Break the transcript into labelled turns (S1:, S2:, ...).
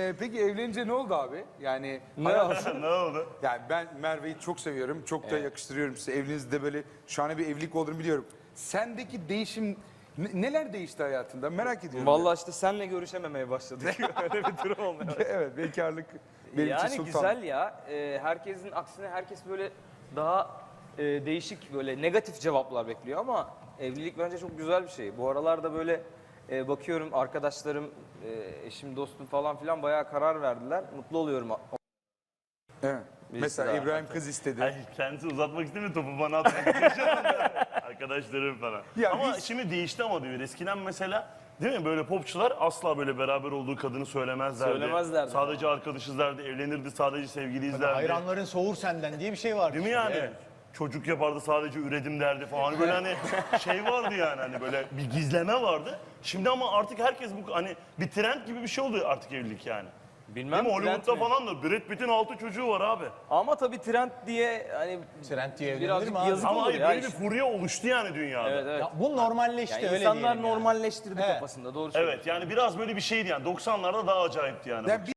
S1: Peki evlenince ne oldu abi? Yani
S2: Ne oldu?
S3: Ne oldu?
S1: yani ben Merve'yi çok seviyorum. Çok da yakıştırıyorum size. Evlerinizde böyle şahane bir evlilik olduğunu biliyorum. Sendeki değişim neler değişti hayatında? Merak ediyorum.
S2: Vallahi işte senle görüşememeye başladık. Öyle bir durum olmuyor.
S1: Evet, bekarlık benim için
S2: Yani
S1: sultan.
S2: güzel ya. Herkesin aksine herkes böyle daha değişik böyle negatif cevaplar bekliyor ama evlilik bence çok güzel bir şey. Bu aralarda böyle bakıyorum arkadaşlarım, eşim, dostum falan filan bayağı karar verdiler. Mutlu oluyorum.
S1: Evet. Mesela
S2: daha.
S1: İbrahim kız istedi.
S3: Ay, kendisi uzatmak istemiyor, topu bana atmak istiyor. Arkadaşlarım falan.
S1: Ya
S3: ama
S1: biz-
S3: şimdi değişti ama diyor. Eskiden mesela değil mi böyle popçular asla böyle beraber olduğu kadını söylemezlerdi.
S2: Söylemezlerdi.
S3: Sadece arkadaşız derdi, evlenirdi, sadece sevgiliyiz derdi.
S4: Hayranların soğur senden diye bir şey var.
S3: Değil mi yani? Çocuk yapardı, sadece üredim derdi falan. Böyle hani şey vardı yani, hani böyle bir gizleme vardı. Şimdi ama artık herkes bu hani bir trend gibi bir şey oluyor artık evlilik yani.
S2: Bilmem
S3: Değil mi?
S2: trend
S3: Hollywood'da
S2: mi?
S3: falan da Brad Pitt'in 6 çocuğu var abi.
S2: Ama tabii trend diye hani
S4: Trend diye evlenilir
S2: birazcık
S4: mi abi?
S2: yazık
S3: Ama
S2: olur
S3: hayır,
S2: ya.
S3: böyle bir furya oluştu yani dünyada.
S2: Evet evet.
S4: Ya bu normalleşti
S2: Yani
S4: öyle
S2: insanlar
S4: diyelim yani.
S2: normalleştirdi
S4: Evet.
S2: kafasında doğru söylüyorsun.
S3: Evet, yani biraz böyle bir şeydi yani, 90'larda daha acayipti yani.
S1: Yani